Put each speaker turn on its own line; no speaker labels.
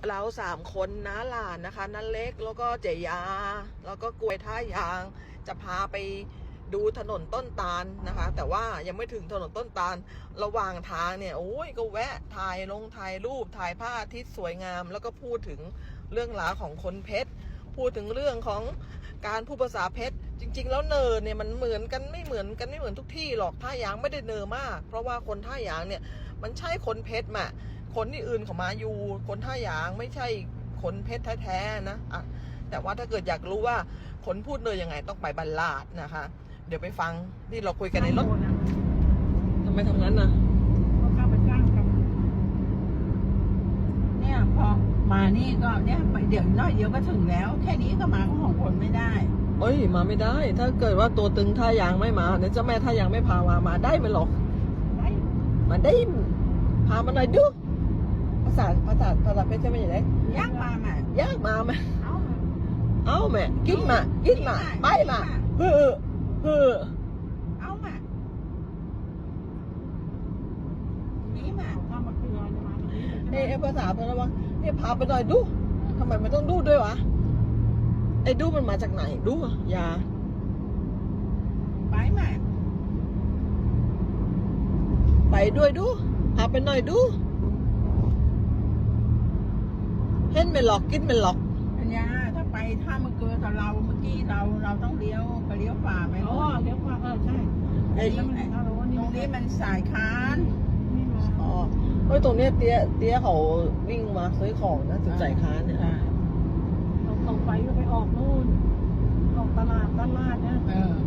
เรา3 คนน้าหลานนะคะน้าเล็กแล้วก็เจยาแล้วก็กล้วยท่ายางจะพาไปดูถนนต้นตาลนะคะ แต่ว่ายังไม่ถึงถนนต้นตาลระหว่างทางเนี่ยโอ้ยก็แวะถ่ายรูปถ่ายพระอาทิตย์สวยงาม แล้วก็พูดถึงเรื่องราวของคนเพชรพูดถึงเรื่องของการพูดภาษาเพชรจริงๆแล้วเนอเนี่ยมันเหมือนกันไม่เหมือนทุกที่หรอกท่ายางไม่ได้เนอมากเพราะว่าคนท่ายางเนี่ยมันใช่คนเพชรมาคนที่อื่นเขามาอยู่คนท่ายางไม่ใช่คนเพชรแท้ๆนะอ่ะแต่ว่าถ้าเกิดอยากรู้ว่าคนพูดเนยยังไงต้องไปบัลลาดนะคะเดี๋ยวไปฟังที่เราคุยกันในรถทำไมทำงั้นนะ
เขาเข้าไปสร้างกันเนี่ยพอมานี่ก็เนี่ยเดี๋ยวน้อยเดียวก็ถึงแล้วแค่นี้ก็มาของคนไม่ได้
เอ้ยมาไม่ได้ถ้าเกิดว่าตัวตึงท่ายางไม่มาเนี่ยเจ้าแม่ท่ายางไม่พามาได้ไหมหรอกมาได้พามาหน่อยดูภาษาเพชรใช่ไหมอย่างไร
ยากมาไหม
ยากมาไหมเอาแม่กินมาไปมาเฮ้อ
เอามานี่มาข้ามาเกลือมา
เอ้ภาษาเพชรว่าพาไปหน่อยดูทำไมมันต้องดูด้วยวะไอ้ดูมันมาจากไหนดูยา
ไปมา
ไปด้วยดูพาไปหน่อยดูเห็นไม่หลอกกินไม่หลอก
อัญญาถ้าไปถ้ามาเกลือกับเราเมื่อกี้เราต้องเลี้ยวฝ่าไป
อ๋อเลี้ยวขวาใช่
ไอ้ตรงนี้มันสายคาน
อ๋อเฮ้ยตรงเนี้ยเตี้ยเขาวิ่งมาซื้อของนะจุดจ่ายค้าเนี่ย
ตรงไปก็ไปออกนู่นออกตลาดด้านลาดเนี่ย